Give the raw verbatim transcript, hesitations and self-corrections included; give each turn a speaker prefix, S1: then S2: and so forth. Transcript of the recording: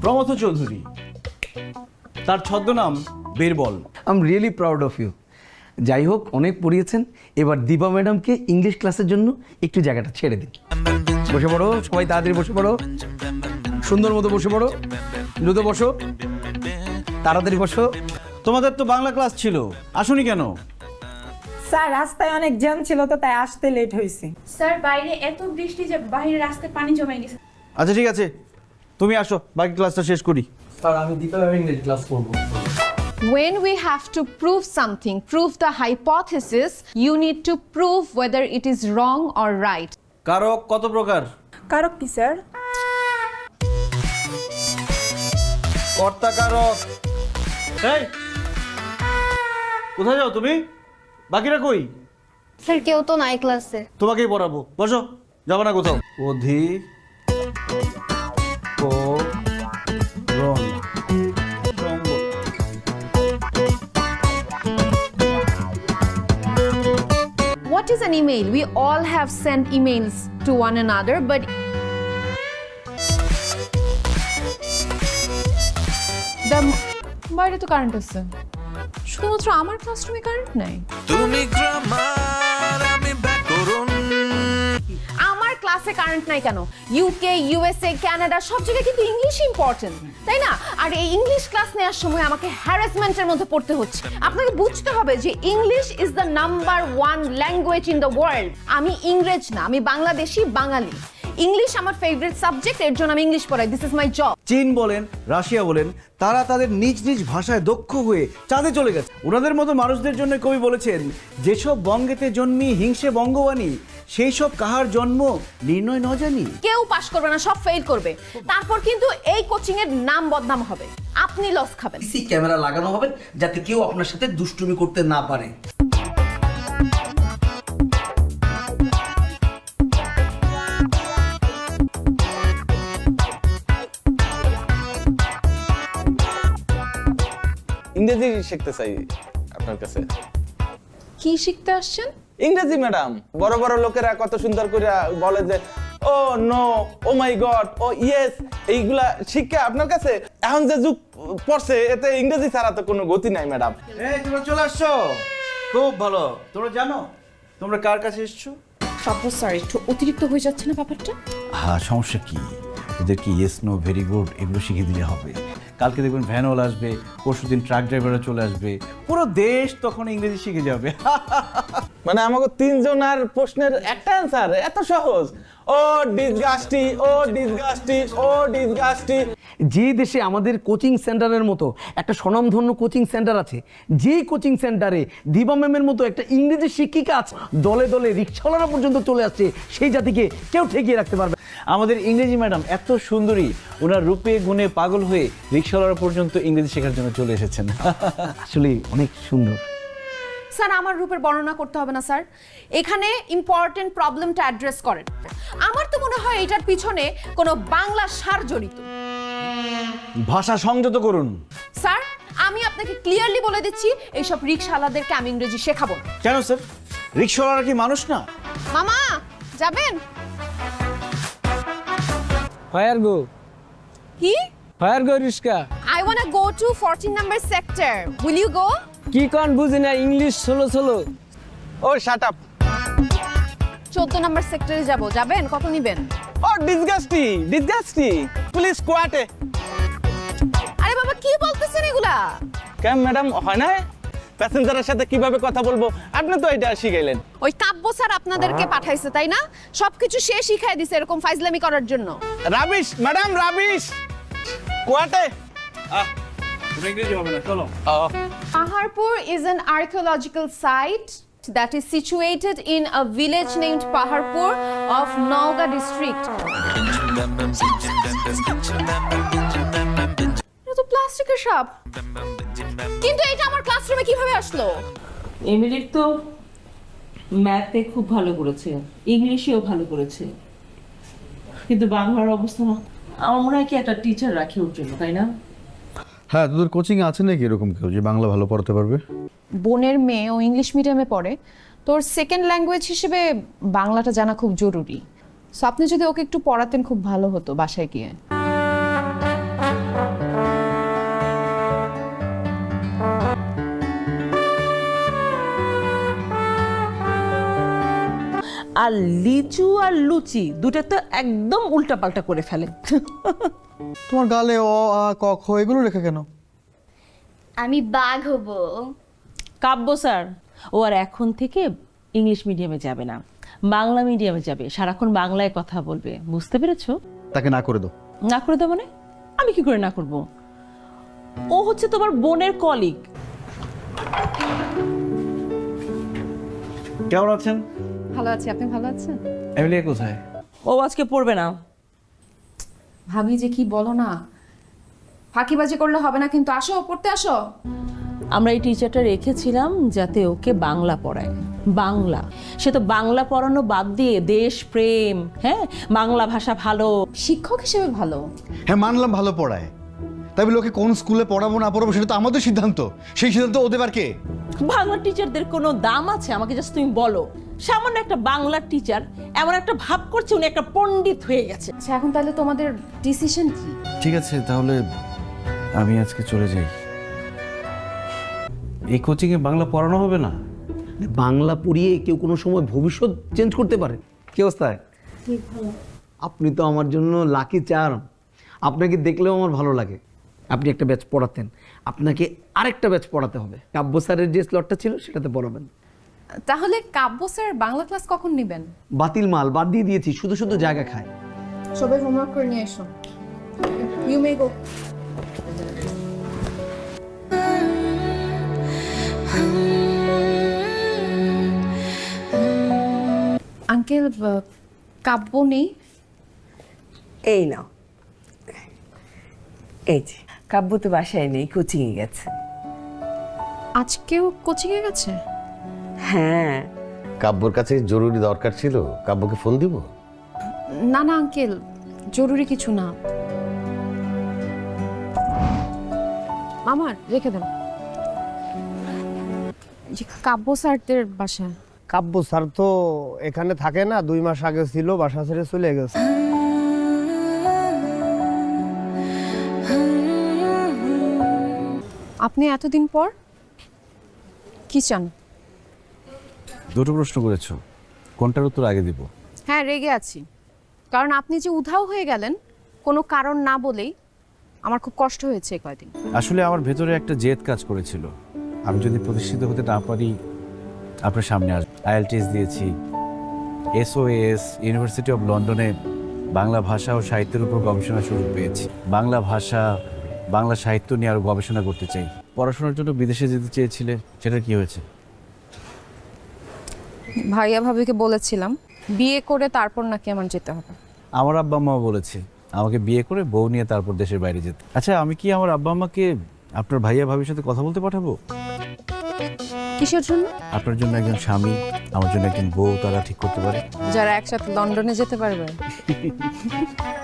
S1: প্রমথ চৌধুরী, তার ছদ্মনাম Birbal.
S2: I am really proud of you. যাই হোক, অনেক পড়িয়েছেন, এবার দীপা ম্যাডামকে ইংলিশ ক্লাসের জন্য একটু জায়গাটা ছেড়ে দিন। বসে পড়ো, সবাই তাড়াতাড়ি বসে পড়ো, সুন্দর মতো বসে পড়ো, দ্রুত বসো, তাড়াতাড়ি বসো।
S1: তোমাদের তো বাংলা ক্লাস ছিল, আসুনি কেন?
S3: স্যার রাস্তায় অনেক জ্যাম ছিল তো তাই আসতে লেট হয়েছে।
S4: স্যার বাইরে এত বৃষ্টি যে বাইরে রাস্তায় পানি জমে গেছে।
S1: আচ্ছা ঠিক আছে, তুমি আসো, বাকি ক্লাসটা শেষ করি।
S2: স্যার আমি দীপা ম্যাডাম ইংলিশ ক্লাস করবো।
S5: When we have to prove something, prove the hypothesis, you need to prove whether it is wrong or right.
S1: কারক কত প্রকার?
S3: কারক কি স্যার?
S1: কর্তা কারক। এই কোথায় যাও তুমি? বাকিরা কই?
S6: স্যার কেউ তো নাই ক্লাসে।
S1: তোমাকেই পড়াবো, বসো, যাবো না কোথাও। অধি ক রণ সঙ্গ।
S5: What is an email? We all have sent emails to one another, but the বাইরে তো কারেন্ট আছে, শুধুমাত্র আমার ক্লাসরুমে কারেন্ট নাই।
S7: তুমি গ্রামার আমি ব্যাকরণ।
S5: আমার ক্লাসে কারেন্ট নাই কেন? ইউকে, ইউএসএ, কানাডা সব জায়গায় কিন্তু ইংলিশ ইম্পর্টেন্ট, তাই না? আর এই ইংলিশ ক্লাস নেওয়ার সময় আমাকে হ্যারাসমেন্টের মধ্যে পড়তে হচ্ছে। আপনাকে বুঝতে হবে যে English is the number one language in the world. আমি ইংরেজ না, আমি বাংলাদেশি, বাঙালি। ইংলিশ আমার ফেভারিট সাবজেক্ট, এর জন্য আমি ইংলিশ পড়াই। This is my job.
S1: চীন বলেন, রাশিয়া বলেন, তারা তাদের নিজ নিজ ভাষায় দক্ষ হয়ে চাঁদে চলে গেছে। ওনাদের মতো মানুষদের জন্য কবি বলেছেন, যেসব বঙ্গেতে জন্মি হিংসে বঙ্গবাণী, সেই সব কাহার জন্ম নির্ণয় ন জানি।
S5: কেউ পাশ করবে না, সব ফেল করবে। তারপর কিন্তু এই কোচিং এর নাম বদনাম হবে, আপনি লস খাবেন।
S2: সিসি ক্যামেরা লাগানো হবে যাতে কেউ আপনার সাথে দুষ্টুমি করতে না পারে।
S8: ইংরেজি শিখতে চাই আপনার কাছে।
S5: কি শিখতে আসছেন?
S8: ইংরেজি ম্যাডাম, বড় বড় লোকেরা কত সুন্দর করে বলে যে oh no, oh my god, oh yes, এইগুলা শিক্ষা আপনার কাছে। এখন যে যুগ পড়ছে এতে ইংরেজি ছাড়া তো কোনো গতি নাই ম্যাডাম।
S1: এই তোমরা চলে আসছো, খুব ভালো। তোমরা জানো তোমরা কার কাছে এসছো?
S5: সব স্যার একটু অতিরিক্ত হয়ে যাচ্ছে না ব্যাপারটা?
S1: হ্যাঁ, সমস্যা কি? ওদের কি ইয়েস নো ভেরি গুড এগুলো শিখিয়ে দিলে হবে? কালকে দেখবেন ভ্যানওয়ালা আসবে, পরশু দিন ট্রাক ড্রাইভাররা চলে আসবে, পুরো দেশ তখন ইংরেজি শিখে যাবে।
S8: মানে আমাকে তিনজন আর প্রশ্নের একটা অ্যান্সার এত সহজ। ও ডিসগাস্টি, ও ডিসগাস্টি, ও ডিসগাস্টি।
S2: যে দেশে আমাদের কোচিং সেন্টারের মতো একটা স্বনামধন্য কোচিং সেন্টার আছে, যেই কোচিং সেন্টারে দিবা ম্যামের মতো একটা ইংরেজি শিক্ষিকা আছে, দলে দলে রিক্সাওয়ালারা পর্যন্ত চলে আসছে, সেই জাতিকে কেউ ঠেকিয়ে রাখতে পারবে।
S1: আমাদের ইংরেজি ম্যাডাম এত সুন্দরী, ওনার রূপে গুণে পাগল হয়ে রিক্সাওয়ালারা পর্যন্ত ইংরেজি শেখার জন্য চলে এসেছেন।
S2: আসলে অনেক সুন্দর।
S5: স্যার আমার রূপের বর্ণনা করতে হবে না স্যার, এখানে ইম্পর্টেন্ট প্রবলেমটা অ্যাড্রেস করেন। আমার তো মনে হয় এটার পিছনে কোনো বাংলা সার জড়িত।
S1: ভাষা সংযত করুন।
S5: স্যার আমি আপনাকে ক্লিয়ারলি বলে দিচ্ছি, এইসব রিক্সাওয়ালাদেরকে আমি ইংরেজি শেখাবো না।
S1: কেন স্যার? রিক্সাওয়ালারা কি মানুষ না?
S5: মামা যাবেন?
S9: Where go?
S5: কি?
S9: Where go রিস্কা?
S5: I wanna go to fourteen number sector. Will you go?
S9: কি কোন বুঝি না ইংলিশ ষোলো ষোলো।
S8: ও শাট আপ।
S5: চোদ্দ নাম্বার সেক্টরে যাব, যাবেন? কত নিবেন?
S8: Oh disgusting, disgusting, please quiet.
S5: আরে বাবা কি বলতেছেন এগুলা?
S8: কেন ম্যাডাম হয় না? প্যাসেঞ্জারের সাথে কিভাবে কথা বলবো আপনি তো এটা শিখাইলেন।
S5: ওই কাব্য স্যার আপনাদেরকে পাঠাইছে তাই না? সবকিছু সে শিখাই দিছে এরকম ফাইজলামি করার জন্য।
S8: Rubbish madam, rubbish. কোয়াটে।
S1: আহ, তুমি ইংরেজি হবে না, চলো।
S5: Paharpur is an archaeological site that is situated in a village named Paharpur of Nauga district. এটা তো প্লাস্টিকের সাপ, কিন্তু এটা আমার ক্লাসরুমে কিভাবে আসলো?
S10: এমিলির তো ম্যাথে খুব ভালো করেছে, ইংলিশেও ভালো করেছে, কিন্তু বাংলার অবস্থা আমার মনে হয় কি একটা টিচার রাখে ওর জন্য, তাই না?
S11: হ্যাঁ, তোদের কোচিং আছে নাকি এরকম কেউ যে বাংলা ভালো পড়াতে পারবে?
S5: বোনের মেয়ে ও ইংলিশ মিডিয়ামে পড়ে, তোর সেকেন্ড ল্যাঙ্গুয়েজ হিসেবে বাংলাটা জানা খুব জরুরি। সো আপনি যদি ওকে একটু পড়াতেন খুব ভালো হতো বাসায় গিয়ে।
S10: আর লিচু আর লুচি দুটো তো একদম উল্টাপাল্টা করে ফেলে।
S11: তোমার গালে অ আ ক খ এগুলো লেখা কেন?
S6: আমি বাঘ হব।
S10: কাব্য স্যার ও আর এখন থেকে ইংলিশ মিডিয়ামে যাবে না, বাংলা মিডিয়ামে যাবে, সারাক্ষণ বাংলায় কথা বলবে, বুঝতে পেরেছো?
S11: তাকে না করে দাও।
S10: না করে দেবো মানে? আমি কি করে না করব? ও হচ্ছে তোমার বোনের কলিগ।
S1: কেমন আছেন?
S5: ভালো আছি, আপনি ভালো আছেন?
S1: এমিলিয়া কোথায়?
S10: ও আজকে পড়বে না।
S5: ভাবি যে কি বলো না, ফাঁকিবাজি করলে হবে না কিন্তু। আসো, পড়তে আসো।
S10: আমরা এই টিচারটা রেখেছিলাম যাতে ওকে বাংলা পড়ায়। বাংলা, সে তো বাংলা পড়ানো বাদ দিয়ে দেশ প্রেম, হ্যাঁ বাংলা ভাষা ভালো।
S5: শিক্ষক হিসেবে ভালো।
S11: হ্যাঁ মানলাম ভালো পড়ায়, তাই বলে ওকে কোন স্কুলে পড়াবো না পড়াবো সেটা তো আমাদের সিদ্ধান্ত। সেই সিদ্ধান্ত ও দেবার কে?
S10: বাংলা টিচারদের কোনো দাম আছে? আমাকে জাস্ট তুমি বলো। সামান্য একটা বাংলা টিচার এমন একটা ভাব করছে উনি একটা পণ্ডিত হয়ে গেছে।
S5: আচ্ছা, এখন তাহলে তোমাদের ডিসিশন কি?
S1: ঠিক আছে, তাহলে আমি আজকে চলে যাই। এই কোচিংয়ে বাংলা পড়ানো হবে না?
S2: বাংলা পড়িয়ে কেউ কোনো সময় ভবিষ্যৎ চেঞ্জ করতে পারে। কি অবস্থায়? আপনি তো আমার জন্য লাকি চার্ম। আপনাকে দেখলেও আমার ভালো লাগে। আপনি একটা ব্যাচ পড়াতেন, আপনাকে আরেকটা ব্যাচ পড়াতে হবে। কাব্য স্যারের যে স্লটটা ছিল সেটাতে পড়াবেন।
S5: তাহলে কাব্য স্যার বাংলা ক্লাস কখন নেবেন?
S2: বাতিল মাল, বাদ দিয়ে দিয়েছি, শুধু শুধু জায়গা খায়।
S5: সবাই হোমওয়ার্ক করে নিয়ে এসো। You may go. আঙ্কেল, কাব্য নেই?
S12: এই নাও, এই যে কাব্য তো বাসায় নেই, কোচিংয়ে গেছে।
S5: আজকেও কোচিংয়ে গেছে?
S12: হ্যাঁ।
S13: কাব্যর কাছে জরুরি দরকার ছিল, কাব্যকে ফোন দিব?
S5: না না আঙ্কেল, জরুরি কিছু না। আমার রেখে দেন। যে কাব্য স্যারদের বাসা।
S9: কাব্য স্যার তো এখানে থাকে না, দুই মাস আগে ছিল, বাসা ছেড়ে চলে গেছে।
S5: আপনি এতদিন পর কি চান?
S1: দুটো প্রশ্ন করেছো, কোনটার উত্তর আগে দিব?
S5: হ্যাঁ, রেগে আছি, কারণ আপনি যে উধাও হয়ে গেলেন কোনো কারণ না বলেই, আমার খুব কষ্ট হয়েছে কয়দিন।
S1: আসলে আমার ভেতরে একটা জেদ কাজ করেছিল। আমি যদি প্রতিষ্ঠিত হতে না পারি আপনার সামনে আসবো। আইএলটিএস দিয়েছি, এসওএস ইউনিভার্সিটি অফ লন্ডনে বাংলা ভাষা ও সাহিত্যের উপর গবেষণা সুযোগ পেয়েছি। বাংলা ভাষা, বাংলা সাহিত্য নিয়ে আরও গবেষণা করতে চাই। পড়াশোনার জন্য বিদেশে যেতে চেয়েছিলে, সেটা কি হয়েছে?
S5: ভাইয়া ভাবিকে বলেছিলাম বিয়ে করে তারপর নাকি আমার যেতে হবে।
S1: আমার আব্বা আম্মাও বলেছে আমাকে বিয়ে করে বউ নিয়ে তারপর দেশের বাইরে যেতে। আচ্ছা, আমি কি আমার আব্বা আম্মাকে আপনার ভাইয়া ভাবির সাথে কথা বলতে পাঠাবো?
S5: কিসের জন্য?
S1: আপনার জন্য একজন স্বামী, আমার জন্য একজন বউ, তারা ঠিক করতে পারে।
S5: যারা একসাথে লন্ডনে যেতে পারবে।